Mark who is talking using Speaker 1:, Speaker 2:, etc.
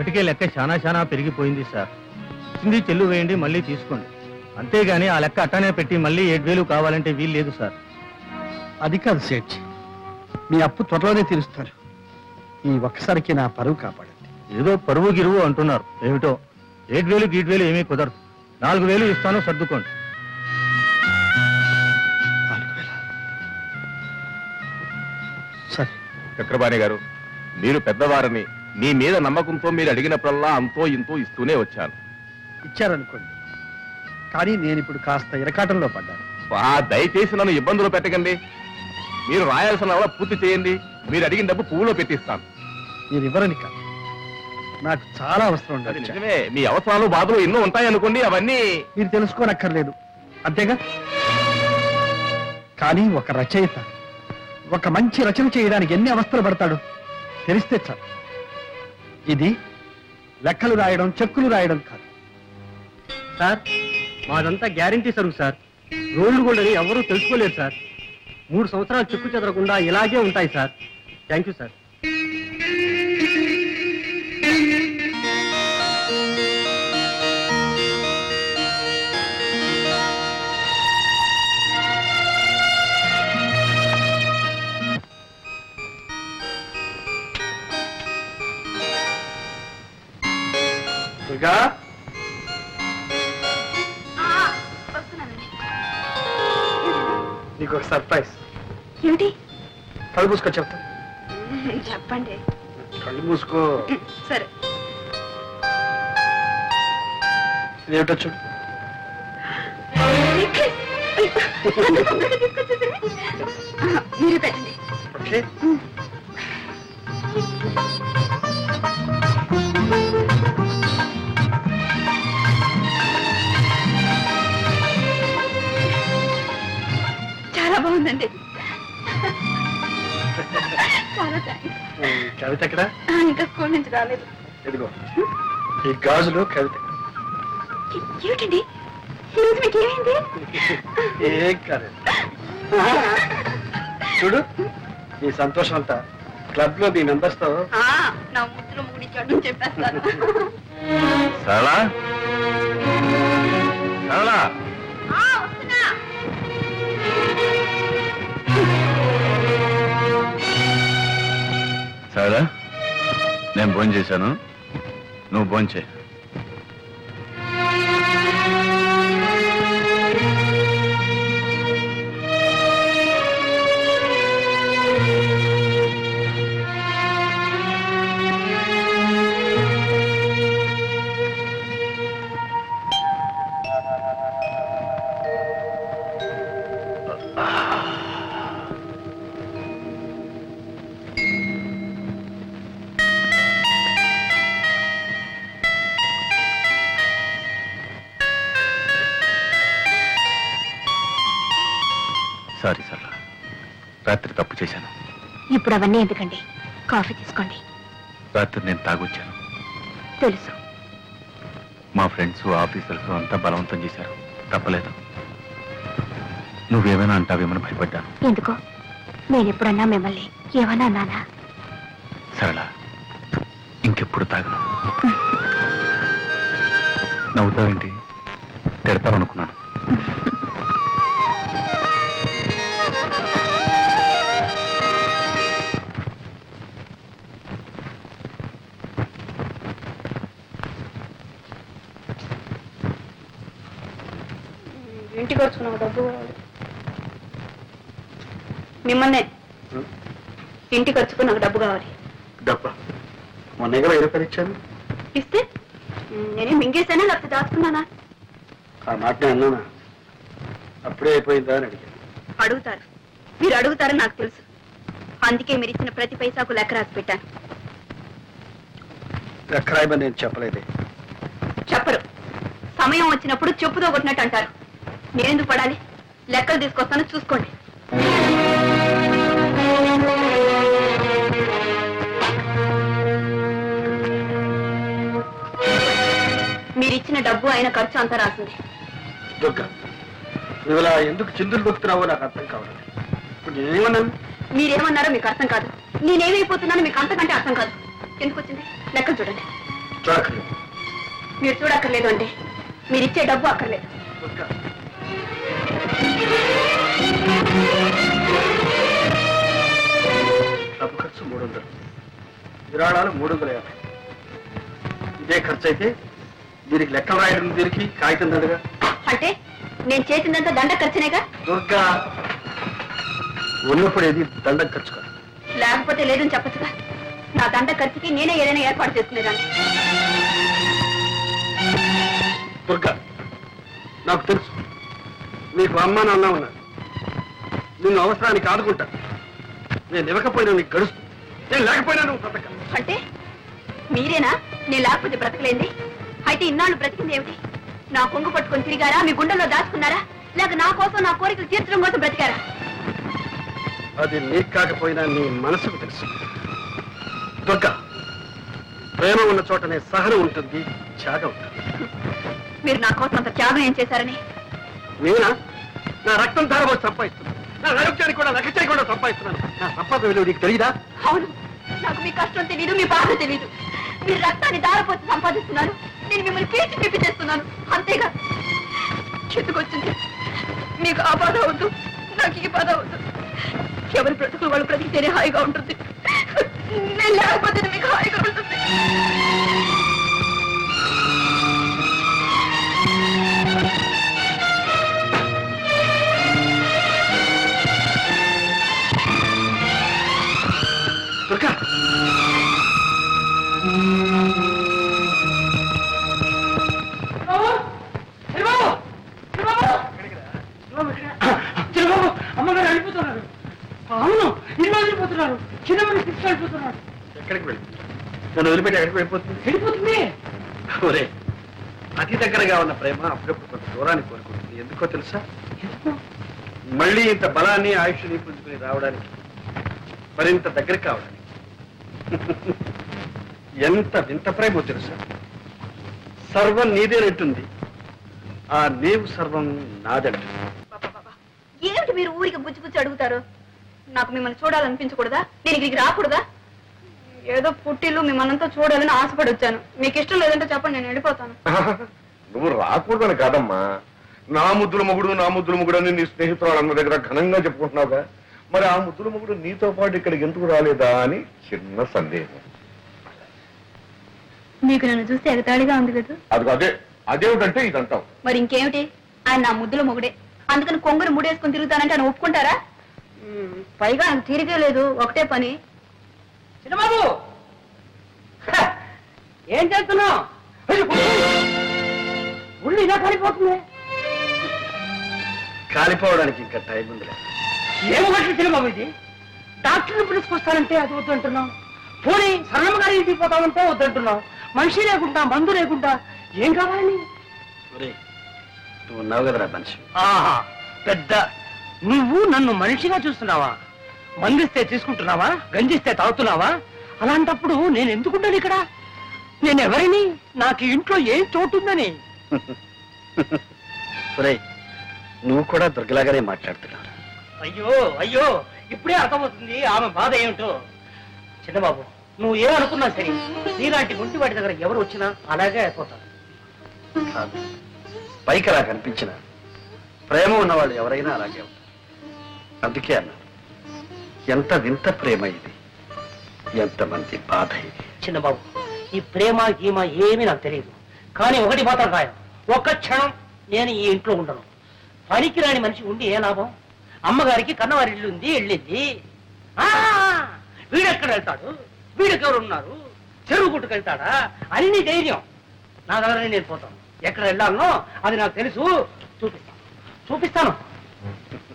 Speaker 1: ఇప్పటికే లెక్క చాలా పెరిగిపోయింది సార్. ఇచ్చింది చెల్లు వేయండి, మళ్ళీ తీసుకోండి. అంతేగాని ఆ లెక్క అట్టానే పెట్టి మళ్ళీ 7,000 కావాలంటే వీలు లేదు సార్.
Speaker 2: అది కాదు సేఠ్, మీ అప్పు త్వరలోనే తీరుస్తారు. ఈ ఒక్కసారికి నా పరువు కాపాడండి.
Speaker 1: ఏదో పరువు గిరువు అంటున్నారు, ఏమిటో 7,000 ఏమీ కుదరదు. 4,000 ఇస్తాను, సర్దుకోండి.
Speaker 2: 4,000 సరే.
Speaker 3: చక్రపాణి గారు, మీరు పెద్దవారని మీ మీద నమ్మకంతో మీరు అడిగినప్పుడల్లా అంతో ఇంతో ఇస్తూనే వచ్చాను.
Speaker 2: ఇచ్చారనుకోండి, కానీ నేను ఇప్పుడు కాస్త ఇరకాటంలో పడ్డాను.
Speaker 3: దయచేసి నన్ను ఇబ్బందులు పెట్టకండి. మీరు రాయాల్సిన అలా పూర్తి చేయండి. మీరు అడిగిన డబ్బు పువ్వులో పెట్టిస్తాను.
Speaker 2: మీరు ఇవ్వరని కాదు, నాకు చాలా అవసరం
Speaker 3: అది
Speaker 2: ఉండదు.
Speaker 3: నిజమే, మీ అవసరాలు బాధలు ఎన్నో ఉంటాయనుకోండి, అవన్నీ
Speaker 2: మీరు తెలుసుకోనక్కర్లేదు, అంతేగా. కానీ ఒక రచయిత ఒక మంచి రచన చేయడానికి ఎన్ని అవస్థలు పడతాడు తెలిస్తే చాలు. ఇది లెక్కలు రాయడం, చెక్కులు రాయడం కాదు
Speaker 1: సార్, మాదంతా గ్యారంటీ సరుకు సార్. రోడ్లు కూడా ఎవరూ తెలుసుకోలేరు సార్. 3 సంవత్సరాలు చెక్కు చెదరకుండా ఇలాగే ఉంటాయి sir. Thank you sir.
Speaker 2: Durga, నీకు ఒక సర్ప్రైజ్.
Speaker 4: ఏమిటి?
Speaker 2: కళ్ళు మూసుకో, చెప్తా.
Speaker 4: చెప్పండి.
Speaker 2: కళ్ళు మూసుకో.
Speaker 4: సరే.
Speaker 2: ఇదేమిటో చూడు.
Speaker 4: మీరు పెట్టండి.
Speaker 2: ఓకే.
Speaker 4: చాలా బాగుందండి. చాలా థ్యాంక్స్.
Speaker 2: కవిత ఎక్కడ?
Speaker 4: ఇంకా స్కూల్ నుంచి రాలేదు.
Speaker 2: ఇదిగో ఈ గాజులు కవిత.
Speaker 4: ఏమిటండి ఈరోజు మీకు ఏమైంది?
Speaker 2: ఏం కాలేదు. చూడు, ఈ సంతోషం అంతా క్లబ్ లో మీ మెంబర్స్ తో.
Speaker 4: నా ముద్దులో ముడిచాడు చెప్పేస్తాను.
Speaker 3: సరళా, సరళా,
Speaker 4: వస్తున్నా.
Speaker 3: సరళా, నేను భోజనం చేశాను, నువ్వు భోజనం చేయి. సారీ సరళా, రాత్రి తప్పు చేశాను.
Speaker 4: ఇప్పుడు అవన్నీ ఎందుకండి? కాఫీ తీసుకోండి.
Speaker 3: రాత్రి నేను తాగొచ్చాను.
Speaker 4: తెలుసు.
Speaker 3: మా ఫ్రెండ్స్, ఆఫీసర్స్ అంతా బలవంతం చేశారు, తప్పలేదు. నువ్వేమైనా అంటావేమని భయపడ్డాను.
Speaker 4: ఎందుకో? నేను ఎప్పుడన్నా మిమ్మల్ని ఏమన్నా అన్నానా?
Speaker 3: సరళ, ఇంకెప్పుడు తాగను. నవ్వుతావేంటి? తిడతావనుకున్నాను.
Speaker 4: ఇంటికి వచ్చుకున్నావు డబ్బు మిమ్మల్నే. ఇంటికి వచ్చుకు నాకు డబ్బు కావాలి.
Speaker 2: డబ్బా? మొన్న 20 రూపాయలు ఇచ్చాను.
Speaker 4: ఇస్తే నేనే మింగేశానా లేకపోతే దాచుకున్నానా?
Speaker 2: ఆ మాట అన్నానా? అప్పుడే అయిపోయిందా అని అడిగాను.
Speaker 4: అడుగుతారు, మీరు అడుగుతారని నాకు తెలుసు. అందుకే మీరు ఇచ్చిన ప్రతి పైసాకు లెక్క రాసి పెట్టాను.
Speaker 2: లెక్క రాయమని నేను చెప్పలేదే.
Speaker 4: చెప్పరు. సమయం వచ్చినప్పుడు చెప్పుతో కొట్టినట్టు అంటారు. నేనెందుకు పడాలి? లెక్కలు తీసుకొస్తాను, చూసుకోండి. మీరిచ్చిన డబ్బు అయిన ఖర్చు అంతా రాసింది.
Speaker 2: దుర్గా, నువ్వు ఇలా ఎందుకు చిందులు దొక్కుతున్నావో నాకు అర్థం కావాలి. ఇప్పుడు నేనేమన్నాను?
Speaker 4: మీరేమన్నారో మీకు అర్థం కాదు, నేనేమైపోతున్నానో మీకు అంతకంటే అర్థం కాదు. ఎందుకు వచ్చింది? లెక్కలు చూడండి.
Speaker 2: చూడక్కర్లేదు.
Speaker 4: మీరు చూడక్కర్లేదు అంటే మీరు ఇచ్చే డబ్బు అక్కర్లేదు.
Speaker 2: దుర్గా, డబ్బు ఖర్చు 300, విరాళాలు 350. ఇదే ఖర్చు అయితే దీనికి లెక్కలు రాయడం దీనికి కాగితం దండగా.
Speaker 4: అంటే నేను చేసిందంతా దండ ఖర్చునేగా.
Speaker 2: దుర్గా, ఉన్నప్పుడు ఏది దండం ఖర్చు కాదు.
Speaker 4: లేకపోతే లేదని చెప్పచ్చుగా. నా దండ ఖర్చుకి నేనే ఏదైనా ఏర్పాటు చేసుకునేదాన్ని.
Speaker 2: దుర్గా, నాకు తెలుసు నీకు అమ్మ నాన్న ఉన్నారు. నిన్ను అవసరానికి ఆదుకుంటా. నేను ఇవ్వకపోయినా నీకు గడుస్తు, నేను లేకపోయినా నువ్వు బ్రతక.
Speaker 4: అంటే మీరేనా నేను లేకపోతే బ్రతకలేంది? అయితే ఇన్నాళ్ళు బ్రతికింది ఏమిటి? నా కొంగు పట్టుకొని తిరిగారా? మీ గుండెల్లో దాచుకున్నారా? లేక నా కోసం నా కోరికలు తీర్చడం కోసం బ్రతికారా?
Speaker 2: అది నీకు కాకపోయినా నీ మనసుకు తెలుసు. దుర్గా, ప్రేమ ఉన్న చోటనే సహనం ఉంటుంది, త్యాగం ఉంటుంది.
Speaker 4: మీరు నా కోసం అంత త్యాగం ఏం చేశారని?
Speaker 2: నేనా? నా రక్తం ధారపోసి సంపాదిస్తున్నాను. నా ఆరోగ్యానికి కూడా లెక్క చేయకుండా సంపాదిస్తున్నాను. నా సంపాదన విలువ నీకు తెలియదా?
Speaker 4: అవును, నాకు మీ కష్టం తెలీదు, మీ బాధ తెలీదు. మీరు రక్తాన్ని దారపోసి సంపాదిస్తున్నారు, నేను మిమ్మల్ని పీల్చి పిప్పి చేస్తున్నాను. అంతేగా చెట్టుకొచ్చింది. మీకు ఆ బాధ వద్దు, నాకు ఈ బాధ వద్దు. ఎవరి బ్రతుకులు వాళ్ళు బ్రతికితేనే హాయిగా ఉంటుంది. నేను లేకపోతే మీకు హాయిగా ఉంటుంది.
Speaker 2: దుర్గా,
Speaker 1: చిన్నబాబు, అమ్మగారు వెళ్ళిపోతున్నారు. అవును, ఇల్లు వదిలిపోతున్నారు. చిన్నమ్మని తీసుకెళ్ళిపోతున్నారు.
Speaker 2: ఎక్కడికి వెళ్ళి నన్ను వదిలిపెట్టి ఎక్కడికి వెళ్ళిపోతుంది?
Speaker 1: వెళ్ళిపోతుంది.
Speaker 2: ఒరే, అతి దగ్గరగా ఉన్న ప్రేమ అప్పుడప్పుడు కొంత దూరాన్ని కోరుకుంటుంది. ఎందుకో తెలుసా? మళ్ళీ ఇంత బలాన్ని ఆయుష్ని పుంజుకుని రావడానికి, మరింత దగ్గర కావడానికి. ఎంత వింత ప్రేమో తెలుసా? సర్వం నీదేనంటుంది, ఆ నీవు సర్వం నాదంటుంది.
Speaker 4: ఏమిటి మీరు ఊరికి గుచ్చి అడుగుతారు? నాకు మిమ్మల్ని చూడాలనిపించకూడదా? నేను ఇక్కడికి రాకూడదా? ఏదో పుట్టిల్లు మిమ్మల్నంతా చూడాలని ఆశపడి వచ్చాను. మీకు ఇష్టం లేదంటే చెప్పండి, నేను వెళ్ళిపోతాను.
Speaker 3: నువ్వు రాకూడదని కాదమ్మా, నా ముద్దుల మొగుడు అని నీ స్నేహితురాలు అన్న దగ్గర ఘనంగా చెప్పుకుంటున్నావుగా. మరి ఆ ముద్దుల మొగుడు నీతో పాటు ఇక్కడికి ఎందుకు రాలేదా అని చిన్న సందేహం.
Speaker 4: మీకు నన్ను చూస్తే ఎగతాళిగా ఉంది కదా?
Speaker 3: అదే అదేమిటంటే ఇదంటావు.
Speaker 4: మరి ఇంకేమిటి? ఆయన నా ముద్దుల మొగుడే, అందుకని కొంగురు ముడేసుకుని తిరుగుతానంటే ఆయన ఒప్పుకుంటారా? పైగా ఆయన తీరికే లేదు, ఒకటే పని.
Speaker 1: చిన్నబాబు, ఏం చేస్తున్నావు? ఉళ్ళు ఇలా కాలిపోతుంది.
Speaker 2: కాలిపోవడానికి ఇంకా టైం ఉందిలే.
Speaker 1: ఏమన్నట్లు చిన్నబాబు ఇది? డాక్టర్ని పిలుచుకొస్తానంటే అది వద్దంటున్నావు. పోనీ సరళమ్మ గారి ఇంటికి పోతామంటే వద్దంటున్నావు. మనిషి లేకుండా, మందు లేకుండా ఏం కావాలి?
Speaker 2: నువ్వు ఉన్నావు కదరా మనిషి.
Speaker 1: ఆహా, పెద్ద నువ్వు నన్ను మనిషిగా చూస్తున్నావా? మందిస్తే తీసుకుంటున్నావా? గంజిస్తే తాగుతున్నావా? అలాంటప్పుడు నేను ఎందుకుంటాను ఇక్కడ? నేను ఎవరిని? నాకు ఇంట్లో ఏం చోటుందని?
Speaker 2: నువ్వు కూడా దుర్గలాగానే మాట్లాడుతున్నావు.
Speaker 1: అయ్యో అయ్యో, ఇప్పుడే అర్థమవుతుంది ఆమె బాధ ఏమిటో. చిన్నబాబు, నువ్వు ఏమనుకున్నా సరే, నీలాంటి గుంటివాడి దగ్గర ఎవరు వచ్చినా అలాగే అయిపోతారు.
Speaker 2: కాదు, పైకి అలా కనిపించిన ప్రేమ ఉన్నవాళ్ళు ఎవరైనా అలాగే ఉంటారు. అందుకే అన్నారు, ఎంత వింత ప్రేమ ఇది, ఎంతమంది బాధ ఇది.
Speaker 1: చిన్నబాబు, ఈ ప్రేమ గీమ ఏమీ నాకు తెలియదు. కానీ ఒకటి మాత్రం ఖాయం, ఒక్క క్షణం నేను ఈ ఇంట్లో ఉండను. పనికిరాని మనిషి ఉండి ఏ లాభం? అమ్మగారికి కన్నవారి ఇల్లు ఉంది, వెళ్ళింది. వీడెక్కడ వెళ్తాడు? వీడికెవరు ఉన్నారు? చెరువు గుట్టుకెళ్తాడా అని నీ ధైర్యం. నా దగ్గర నేను పోతాను. ఎక్కడ వెళ్ళాలనో అది నాకు తెలుసు. చూపిస్తాను.